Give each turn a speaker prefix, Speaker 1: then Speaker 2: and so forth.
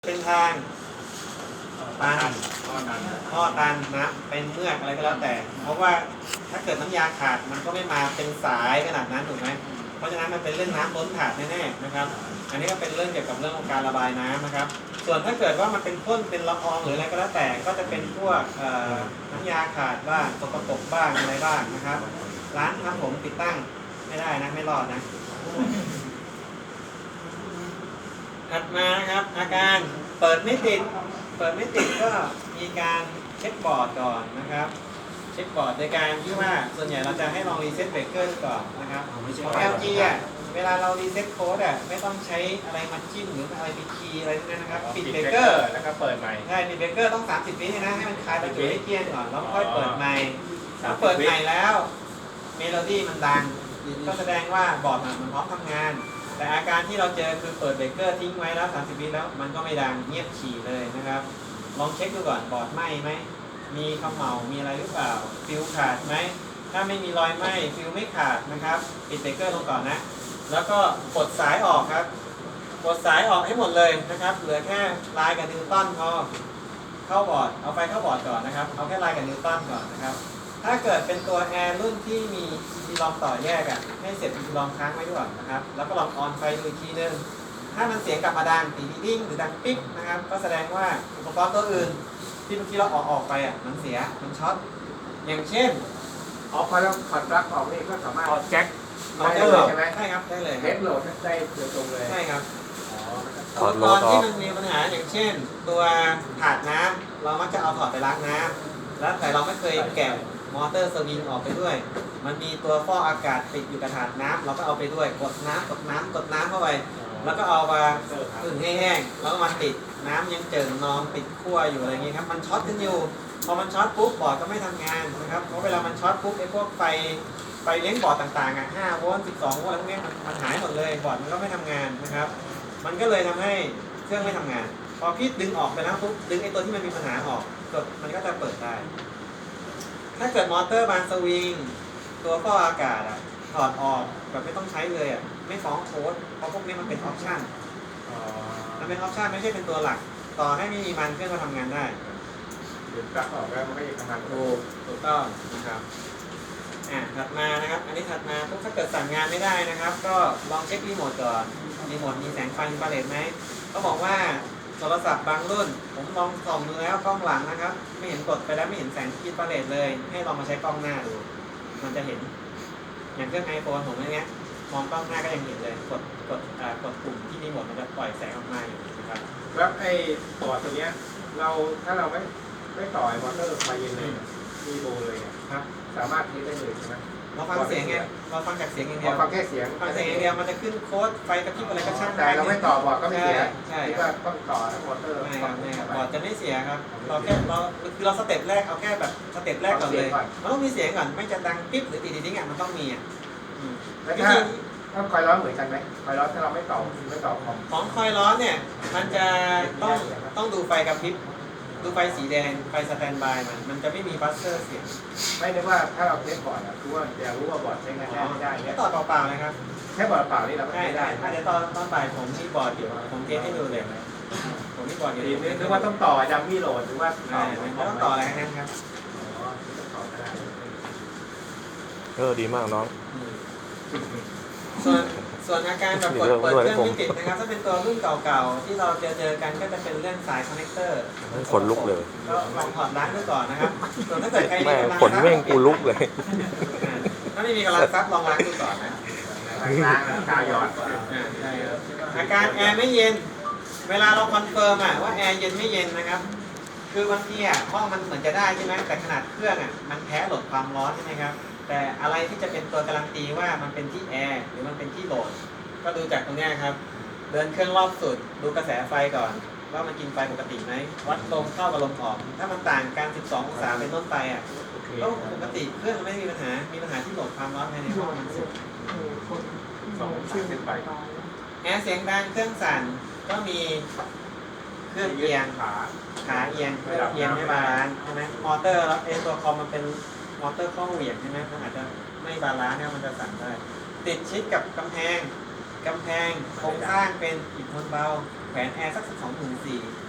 Speaker 1: เป็นทางตันท่อตันนะเป็นเมือกอะไรก็แล้วแต่ เพราะว่าถ้าเกิดน้ำยาขาดมันก็ไม่มาเป็นสายขนาดนั้นถูกไหมเพราะฉะนั้นมันเป็นเรื่องน้ำล้นถาดแน่ๆนะครับอันนี้ก็เป็นเรื่องเกี่ยวกับเรื่องของการระบายน้ำนะครับส่วนถ้าเกิดว่ามันเป็นพ่นเป็นละอองหรืออะไรก็แล้วแต่ก็จะเป็นพวกน้ำยาขาดบ้างสกปรกบ้างอะไรบ้างนะครับร้านทำผมติดตั้งไม่ได้นะไม่รอดนะถัดมานะครับอาการเปิดไม่ติดก็มีการเช็คบอร์ดก่อนนะครับเช็คบอร์ดโดยการที่ว่าส่วนใหญ่เราจะให้ลองรีเซ็ตเบรกเกอร์ก่อนนะครับของ LG อ่ะเวลาเรารีเซ็ตโค้ดอ่ะไม่ต้องใช้อะไรมาจิ้มหรืออะไรไปคีย์อะไรนั่นนะครับปิดเบรกเกอร์
Speaker 2: แล้วก็เปิดใหม่
Speaker 1: ใช่ปิดเบรกเกอร์ต้อง30 วินะให้มันคลายประจุให้เกลี้ยงก่อนแล้วค่อยเปิดใหม่ถ้าเปิดใหม่แล้วเมโลดี้มันดังก็แสดงว่าบอร์ดมันพร้อมทำงานแต่อาการที่เราเจอคือเปิดเบรกเกอร์ทิ้งไว้แล้ว30 วิแล้วมันก็ไม่ดังเงียบฉี่เลยนะครับลองเช็คดูก่อนบอร์ดไหม้ไหมมีเขม่ามีอะไรหรือเปล่าฟิวขาดไหมถ้าไม่มีรอยไหม้ฟิวไม่ขาดนะครับปิดเบรกเกอร์ลงก่อนนะแล้วก็ปลดสายออกครับปลดสายออกให้หมดเลยนะครับเหลือแค่ลายกับนิวตันพอเข้าบอร์ดเอาไฟเข้าบอร์ดก่อนนะครับเอาแค่ลายกับนิวตันก่อนนะครับถ้าเกิดเป็นตัวแอร์รุ่นที่มี EC ลองต่อแยกอ่ะให้เสียบ EC ลองค้างไว้ด้วยนะครับแล้วก็ลองออนไฟดูอีกทีนึงถ้ามันเสียงกลับมาดังตีดิ้งหรือดังปิ๊กนะครับก็แสดงว่าอุปกรณ์ตัวอื่นที่เมื่อกี้เราออกไปอ่ะมันเสียมันช็อตอย่างเช่น
Speaker 2: พอเราถอดปลั๊กออกนี่ก็สามารถแจ็ค
Speaker 1: ได้เลยใช่ไหมใช่ครับได้เลย
Speaker 2: เฮดโหลดได้โดยตรงเลย
Speaker 1: ใช่ครับอุปกรณ์ที่มันมีปัญหาอย่างเช่นตัวถาดน้ำเรามักจะเอาถอดไปล้างน้ำแล้วแต่เราไม่เคยแกะมอเตอร์สวิงออกไปด้วยมันมีตัวฟอกอากาศติดอยู่กับถาดน้ำเราก็เอาไปด้วยกดน้ำเข้าไปแล้วก็เอามาผึ่งให้แห้งแล้วมันติดน้ำยังเจิ่งนองติดขั้วอยู่อะไรเงี้ยครับมันช็อตกันอยู่พอมันช็อตปุ๊บบอร์ดก็ไม่ทำงานนะครับเพราะเวลามันช็อตปุ๊บไอ้พวกไฟเลี้ยงบอร์ดต่างๆอ่ะ5 โวลต์ 12 โวลต์อะไรพวกนี้มันหายหมดเลยบอร์ดมันก็ไม่ทำงานนะครับมันก็เลยทำให้เครื่องไม่ทำงานพอพี่ดึงออกไปแล้วปุ๊บดึงไอ้ตัวที่มันมีปัญหาออกมันก็จะเปิดได้ถ้าเกิดมอเตอร์บานสวิงตัวฟอกอากาศอ่ะถอดออกแบบไม่ต้องใช้เลยอ่ะไม่ฟ้องโค้ดเพราะพวกนี้มันเป็นออปชั่นมันเป็นออปชั่นไม่ใช่เป็นตัวหลักต่อให้ไม่มีมันเครื่องก็ทำงานได้
Speaker 2: หรือปลั๊กออกแล้วมันก็ยังทำงาน
Speaker 1: ถูกต้องนะครับถัดมานะครับอันนี้ถัดมาถ้าเกิดสั่งงานไม่ได้นะครับก็ลองเช็ครีโมทก่อนรีโมทมีแสงไฟอินฟราเรดไหมก็บอกว่าโทรศัพท์บางรุ่นผมลองส่องดูแล้วกล้องหลังนะครับไม่เห็นกดไปแล้วไม่เห็นแสงอินฟราเรดเลยให้ลองมาใช้กล้องหน้าดูมันจะเห็นอย่างเครื่อง iPhone ผมอย่างเงี้ยมองกล้องหน้าก็ยังเห็นเลยกดปุ่มที่รีโมทมันจะปล่อยแสงออกมาอยู่นะครับ
Speaker 2: แล้วไอ้บอร์ดตัวเนี้ยถ้าเราไม่ต่อไอ้มอเตอร์ไฟเย็นเลยมีโบเลย
Speaker 1: ครับ
Speaker 2: สามารถเทสได้เลยใช่ไหม
Speaker 1: เราฟังเสียงไงเราฟังจากเสียงอย่างเดียว
Speaker 2: ฟังแค่เสียง
Speaker 1: อย่างเดียวมันจะขึ้นโค้ดไฟกระพริบอะไรก็ช่าง
Speaker 2: แต่เราไม่ต่อบอร์ดก็ไม่เสีย
Speaker 1: ใช่
Speaker 2: ที่ว่าต้องต่อมอเตอร์
Speaker 1: ไม่ครับบอร์ดจะไม่เสียครับเราคือเราสเต็ปแรกเอาแค่แบบสเต็ปแรกก่อนเลยมันต้องมีเสียงก่อนไม่จะดังปิ๊บหรือตีดิ้งอ่ะมันต้องมี
Speaker 2: แล้วถ้าคอยร้อนเหมือนกันไหมคอยร้อนถ้าเราไม่ต่อ
Speaker 1: ของคอยร้อนเนี่ยมันจะต้องดูไฟกระพริบดูไฟสีแดงไฟสแตนบายมันจะไม่มีบัสเซอร์เสียง
Speaker 2: ไม่ได้ว่าถ้าเราเทสบอร์ดคือว่าจะรู้ว่าบอร์ดใช้งานได้ไม่ได้
Speaker 1: เนี่ยต่อเปล่าๆนะครับ
Speaker 2: แค่บอร์ดเปล่านี่เราไม่ได้
Speaker 1: เดี๋ยวตอนบ่ายผมมีบอร์ดอยู่ผมเทสให้ดูเลยผมมีบอร์ดอยู่
Speaker 2: นึกว่าต้องต่อดัมมี่โหลดหรือว่า
Speaker 1: ไม่ต้องต่ออะไรทั้งนั้นครับ
Speaker 3: ดีมากน้อง
Speaker 1: ส่วนอาการแบบเปิดเครื่องไม่ติดนะครับถ้าเป็นตัวรุ่นเก่าๆที่เราเจอกันก็จะเป็นเรื่องสายคอนเนคเตอร์
Speaker 3: ขนลุกเลย
Speaker 1: ก็ลองถอดล้างดูก่อนนะครับส่วนถ้าเกิดใครมีกำลัง
Speaker 3: ขนแม่งกูลุกเลย
Speaker 1: ถ้าไม่มีกำลังซับลองล้างดูก่อนนะ
Speaker 2: ล้างกาวหยอด
Speaker 1: ใช่ครับอาการแอร์ไม่เย็นเวลาเราคอนเฟิร์มว่าแอร์เย็นไม่เย็นนะครับคือบางทีห้องมันเหมือนจะได้ใช่ไหมแต่ขนาดเครื่องมันแพ้โหลดความร้อนใช่ไหมครับแต่อะไรที่จะเป็นตัวการันตีว่ามันเป็นที่แอร์หรือมันเป็นที่โหลดก็ดูจากตรงนี้ครับเดินเครื่องรอบสุดดูกระแสไฟก่อนว่ามันกินไฟปกติไหมวัดลมเข้ากับลมออกถ้ามันต่างกัน12 องศาเป็นต้นไปก็ปกติเครื่องไม่มีปัญหาที่โหลดความร้อนภายในห้องมันสุด
Speaker 2: 2 องศาขึ้นไป
Speaker 1: แอร์เสียงดังเครื่องสั่นก็มีเครื่องเอียงขาเอียงไม่บาลานซ์ใช่ไหมมอเตอร์แล้วตัวคอมมันเป็นมอเตอร์ข้อเหวี่ยงใช่ไหมมันอาจจะไม่บาลานซ์เนี่ยมันจะสั่นได้ติดชิดกับกำแพงกำแพงโครงสร้างเป็นอิฐมวลเบาแขวนแอร์สัก24,000